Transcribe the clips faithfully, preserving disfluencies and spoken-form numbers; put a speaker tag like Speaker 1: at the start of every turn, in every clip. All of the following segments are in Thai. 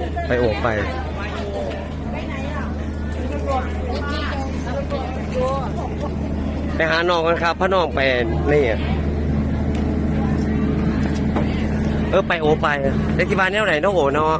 Speaker 1: ไปโอบไปไปหาน้องกันครับพระน้องไปนี่เออไปโอไปเด็กที่บ้านแนวไหนน้องโอเนาะ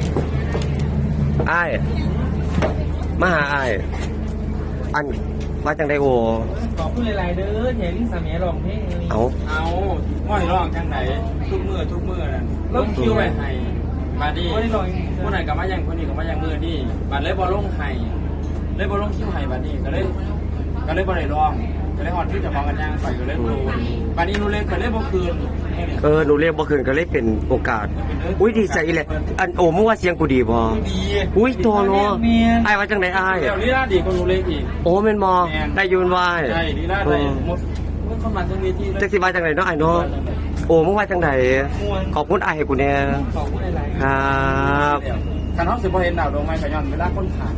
Speaker 1: อ้ายมาหาอ้ายอันว่าจังไดโอ
Speaker 2: ขอบคุณหลายๆเด้อเห็นสามีร้องเพลงนี้
Speaker 1: เอา
Speaker 2: เอาม่อยร้องจังไหนทุกมือทุกมือนั่นลงคิวไว้ให้มาดิผู้ไหนกับมายังคนนี้กับมายังมือนี่บัดเลยบอลลงให้เลยบอลลงคิวให้บัดนี้ก็เลยก็เลยบอลเลยร้องก็เลยฮอดที่จะฟังกันยังไปก็เลยรู้บัดนี้รู้เลยก็เลยบ่คืน
Speaker 1: เออหนูเรียกบ่คืนก็เลยเป็นโอกาสอุ้ยดีใจเลยอันโอมึงว่าเสียงกูดีบ่
Speaker 2: ดี
Speaker 1: อุ้ยตัวเนาะไอ้ว่าจังไดอ้าย
Speaker 2: เดี๋ยวลีลาดีกว่าหนูเล็กอีก
Speaker 1: โอ้แม่นบ่ได้ยืนไหว้
Speaker 2: ใช่ลีลาได้หมดเมื่อเข้ามาตรงนี้ที่
Speaker 1: จักสิว่าจังไดเนาะอ้ายเนาะโอ้มึงว่าจังไดขอบคุณอ้ายให้กูแน่
Speaker 2: ขอบคุณหลาย
Speaker 1: ๆครับ
Speaker 2: คันเฮาสิบ่เห็นดาวดวงไม้ก็ย้อนเวลาคนขาด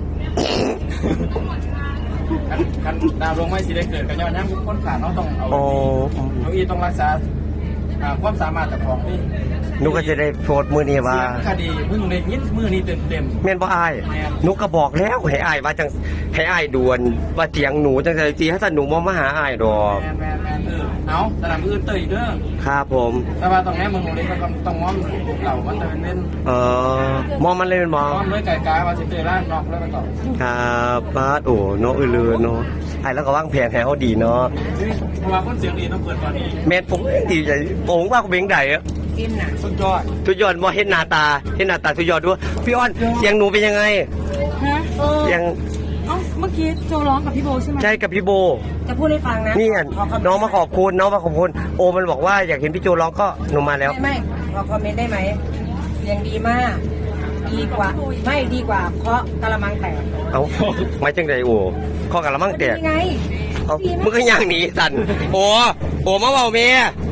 Speaker 2: คันดาวดวงไม้สิได้เกิดก็ย้อนยามคนขาดเฮาต้องเอาน้องอีต้องรักษาความสามารถของนี่
Speaker 1: นุก็จะได้โพสมือนี้ว่า
Speaker 2: คดีมึงเลยยิดมือนี้เต็มเต็ม
Speaker 1: แม่นบ่อายนุก็บอกแล้วให้อายว่าจังให้อายด่วนว่าเสียงหนูจังไดจีให้ท่านหนูบ่มาหาอายดอก
Speaker 2: แม่แม่แม่เออเอาสนามอื่นเตยเด้อ
Speaker 1: ครับผม
Speaker 2: แต่ว่าตรงนี้มึงเลยก็ต้องมองเหล่ามันจะเป็นเล่น
Speaker 1: เออมองมันเลยเป็นมอง
Speaker 2: มองด้วยไก่กายว่าสิเตยร้านนอกแล้วไปต่อ
Speaker 1: ครับป้าโอ้เนาะเออเลือเนาะไอ้แล้วก็วางแผนให้เขาดีเนาะ
Speaker 2: เพราะว่าคนเสียงดีต้องเปิดตอนนี้
Speaker 1: แม่ผมดีใจผมว่าเขาเบ่งใดอะ
Speaker 2: กินน่ะสุดยอด
Speaker 1: สุดยอดบ่เห็นหน้าตาเห็นหน้าตาสุดยอดด้วยพี่อ้อนเสียงหนูเป็นยังไง
Speaker 3: ฮะเออ
Speaker 1: ยัง
Speaker 3: เอ้าเมื่อกี้โจร้องกับพี่โบใช่ไหม
Speaker 1: ใช่กับพี่โบ
Speaker 3: จะพูดให้ฟังนะ
Speaker 1: นี่น้องมาขอบคุณน้องมาขอบคุณโอมันบอกว่าอยากเห็นพี่โจร้องก็หนูมาแล้ว
Speaker 3: ไม่ไม่ขอคอมเมนต์ได้ไหมเสียงดีมากดีกว่าไม่ดีกว่าเพราะกะละมังแตก
Speaker 1: เอ้าไม่จังไดโอ้ข้อกะละมังแตก
Speaker 3: ยังไง
Speaker 1: เอ้ามึงก็ย่างหนีสั่นโอ้โอ้มาเบาเมีย